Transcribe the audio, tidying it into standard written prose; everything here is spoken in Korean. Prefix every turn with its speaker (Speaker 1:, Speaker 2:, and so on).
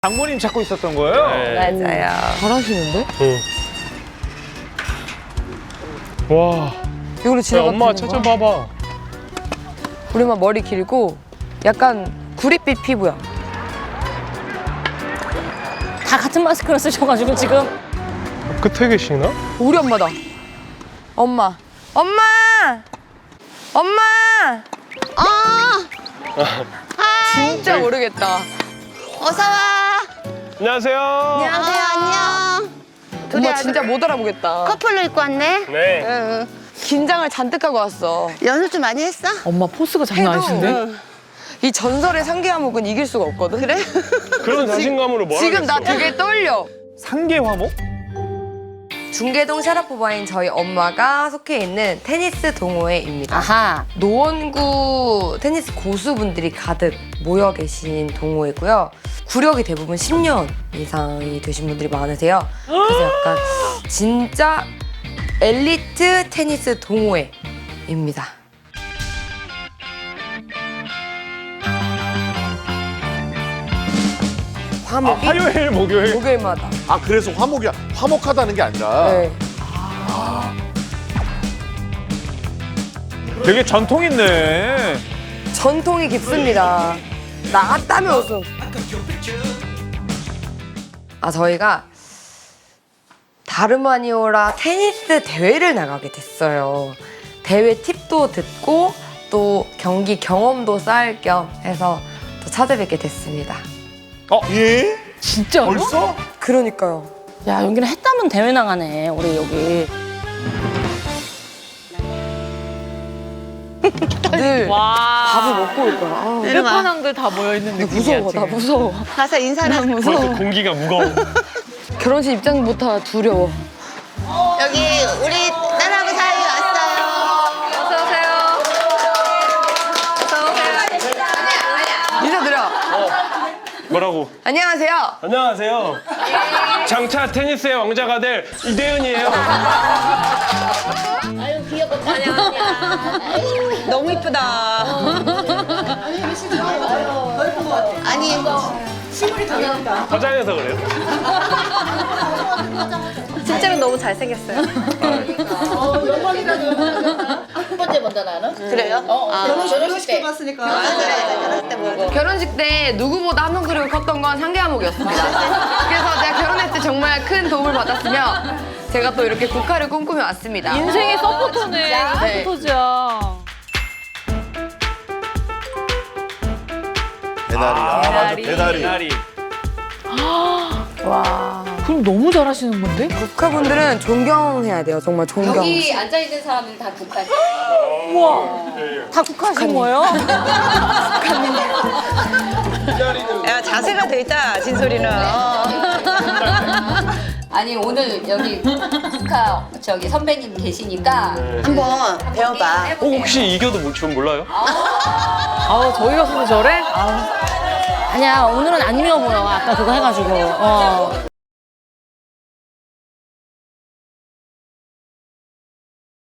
Speaker 1: 장모님 찾고 있었던 거예요?
Speaker 2: 네.
Speaker 3: 맞아요.
Speaker 2: 잘하시는데?
Speaker 4: 와,
Speaker 3: 이걸로
Speaker 4: 야,
Speaker 3: 지나가.
Speaker 4: 엄마 찾아봐봐.
Speaker 3: 우리 엄마 머리 길고 약간 구릿빛 피부야.
Speaker 2: 다 같은 마스크를 쓰셔가지고 지금.
Speaker 4: 끝에 계시나?
Speaker 3: 우리 엄마다. 엄마. 엄마! 엄마! 진짜 모르겠다.
Speaker 5: 어서 와.
Speaker 4: 안녕하세요.
Speaker 5: 안녕하세요. 안녕.
Speaker 3: 엄마 진짜 못 알아보겠다.
Speaker 5: 커플로 입고 왔네.
Speaker 4: 네.
Speaker 5: 응.
Speaker 3: 긴장을 잔뜩 하고 왔어.
Speaker 5: 연습 좀 많이 했어?
Speaker 2: 엄마 포스가 장난 아니신데?
Speaker 5: 응.
Speaker 3: 이 전설의 상계화목은 이길 수가 없거든.
Speaker 5: 그래?
Speaker 4: 그런 자신감으로 뭐
Speaker 3: 지금 나
Speaker 4: 하겠어.
Speaker 3: 되게 떨려.
Speaker 1: 상계화목?
Speaker 3: 중계동 샤라포바인 저희 엄마가 속해 있는 테니스 동호회입니다.
Speaker 2: 아하.
Speaker 3: 노원구 테니스 고수분들이 가득 모여 계신 동호회고요. 구력이 대부분 10년 이상이 되신 분들이 많으세요. 그래서 약간 진짜 엘리트 테니스 동호회입니다. 화목이
Speaker 4: 화요일, 목요일.
Speaker 3: 목요일마다.
Speaker 6: 아 그래서 화목이야. 화목하다는 게 아니라
Speaker 3: 네.
Speaker 1: 되게 전통 있네.
Speaker 3: 전통이 깊습니다. 나갔다면 우승. 저희가 다름아니오라 테니스 대회를 나가게 됐어요. 대회 팁도 듣고 또 경기 경험도 쌓을 겸 해서 또 찾아뵙게 됐습니다.
Speaker 6: 예?
Speaker 2: 진짜로?
Speaker 6: 벌써?
Speaker 3: 그러니까요.
Speaker 2: 야, 여기는 해 따면 대회 나가네, 우리 여기.
Speaker 3: 늘 밥을 먹고 올 거야.
Speaker 5: 내려가.
Speaker 2: 다 모여있는
Speaker 3: 나 무서워, 나 무서워.
Speaker 5: 가서 인사를.
Speaker 4: 벌써 공기가 무거워.
Speaker 3: 결혼식 입장부터 두려워.
Speaker 5: 여기 우리 딸하고 사위 왔어요.
Speaker 3: 어서 오세요. 어서 오세요. 인사드려.
Speaker 4: 뭐라고?
Speaker 3: 안녕하세요.
Speaker 4: 안녕하세요. 장차 테니스의 왕자가 될 이대현이에요.
Speaker 5: 너무 이쁘다. 아니,
Speaker 4: 화장해서 그래요?
Speaker 3: 실제로 너무 잘생겼어요.
Speaker 5: 그래요? 결혼식 때 봤으니까. 결혼식 때 보고.
Speaker 3: 결혼식 때 누구보다 한 명 그리고 컸던 건 상계화목이었습니다. 그래서 제가 결혼했을 때 정말 큰 도움을 받았으며 제가 또 이렇게 국화를 꿈꾸며 왔습니다.
Speaker 2: 인생의 서포터네.
Speaker 3: 네.
Speaker 2: 서포터죠.
Speaker 6: 대나리. 아 맞아 대나리.
Speaker 4: 나리.
Speaker 2: 그럼 너무 잘하시는 건데?
Speaker 3: 국화분들은 존경해야 돼요. 정말 존경.
Speaker 7: 여기 앉아 있는 사람들 다 국가지.
Speaker 2: 다 국화하신 거예요?
Speaker 5: 야, 자세가 돼 있다, 진솔이는.
Speaker 7: 아니 오늘 여기 국가 저기 선배님 계시니까
Speaker 5: 한번 배워봐.
Speaker 4: 혹시 이겨도 전 몰라요?
Speaker 2: 저희 가서도 저래? 아니야, 오늘은 안 미워 보여. 아까 그거 해가지고.